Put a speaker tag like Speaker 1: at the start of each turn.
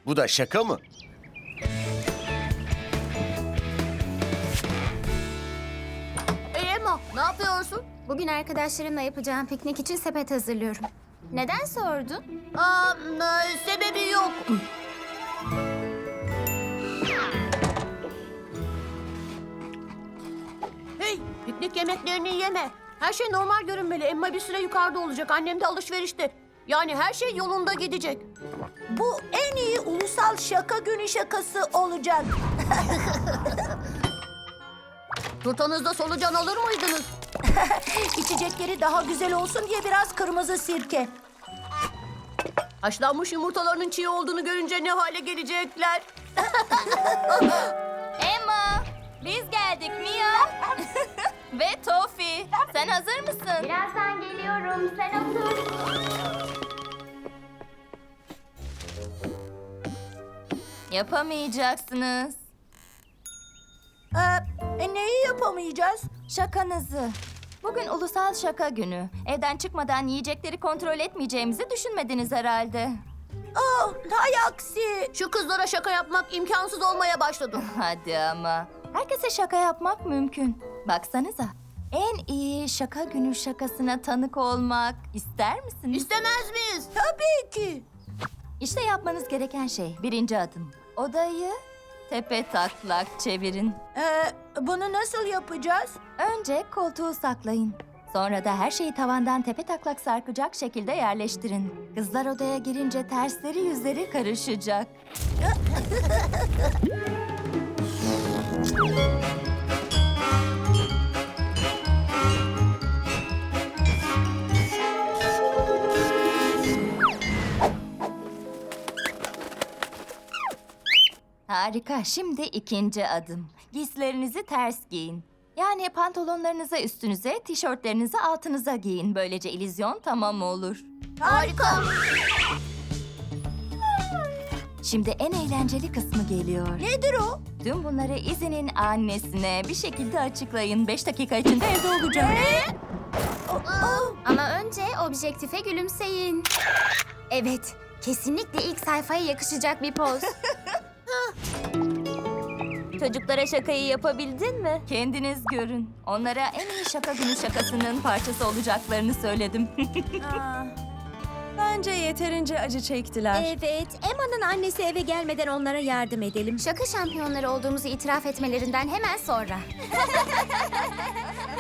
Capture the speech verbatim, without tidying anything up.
Speaker 1: Bu da şaka mı?
Speaker 2: Emma, ne yapıyorsun?
Speaker 3: Bugün arkadaşlarımla yapacağım piknik için sepet hazırlıyorum. Neden sordun?
Speaker 2: Aa, e, sebebi yok. Hey, piknik yemeklerini yeme. Her şey normal görünmeli. Emma bir süre yukarıda olacak. Annem de alışverişte. Yani her şey yolunda gidecek.
Speaker 4: Bu en iyi ulusal şaka günü şakası olacak.
Speaker 2: Turtanızda solucan alır mıydınız?
Speaker 4: İçecekleri daha güzel olsun diye biraz kırmızı sirke.
Speaker 2: Haşlanmış yumurtalarının çiğ olduğunu görünce ne hale gelecekler?
Speaker 5: Emma, biz geldik Mia. Ve Tofi. Sen hazır mısın?
Speaker 3: Birazdan geliyorum. Sen otur.
Speaker 5: Yapamayacaksınız.
Speaker 4: Ee, e, neyi yapamayacağız?
Speaker 5: Şakanızı. Bugün ulusal şaka günü. Evden çıkmadan yiyecekleri kontrol etmeyeceğimizi düşünmediniz herhalde.
Speaker 4: Oh, hay aksi.
Speaker 2: Şu kızlara şaka yapmak imkansız olmaya başladı.
Speaker 5: Hadi ama. Herkese şaka yapmak mümkün. Baksanıza. En iyi şaka günü şakasına tanık olmak ister misiniz?
Speaker 2: İstemez miyiz?
Speaker 4: Tabii ki.
Speaker 5: İşte yapmanız gereken şey birinci adım. Odayı tepe taklak çevirin.
Speaker 4: Ee, bunu nasıl yapacağız?
Speaker 5: Önce koltuğu saklayın. Sonra da her şeyi tavandan tepe taklak sarkacak şekilde yerleştirin. Kızlar odaya girince tersleri yüzleri karışacak. Harika. Şimdi ikinci adım. Giysilerinizi ters giyin. Yani pantolonlarınızı üstünüze, tişörtlerinizi altınıza giyin. Böylece illüzyon tamam olur.
Speaker 2: Harika.
Speaker 5: Şimdi en eğlenceli kısmı geliyor.
Speaker 4: Nedir o?
Speaker 5: Tüm bunları Izzy'nin annesine bir şekilde açıklayın. Beş dakika içinde evde olacağım.
Speaker 3: Ama önce objektife gülümseyin. Evet, kesinlikle ilk sayfaya yakışacak bir poz.
Speaker 5: Çocuklara şakayı yapabildin mi? Kendiniz görün. Onlara en iyi şaka günü şakasının parçası olacaklarını söyledim.
Speaker 6: Bence yeterince acı çektiler.
Speaker 7: Evet, Emma'nın annesi eve gelmeden onlara yardım edelim.
Speaker 3: Şaka şampiyonları olduğumuzu itiraf etmelerinden hemen sonra.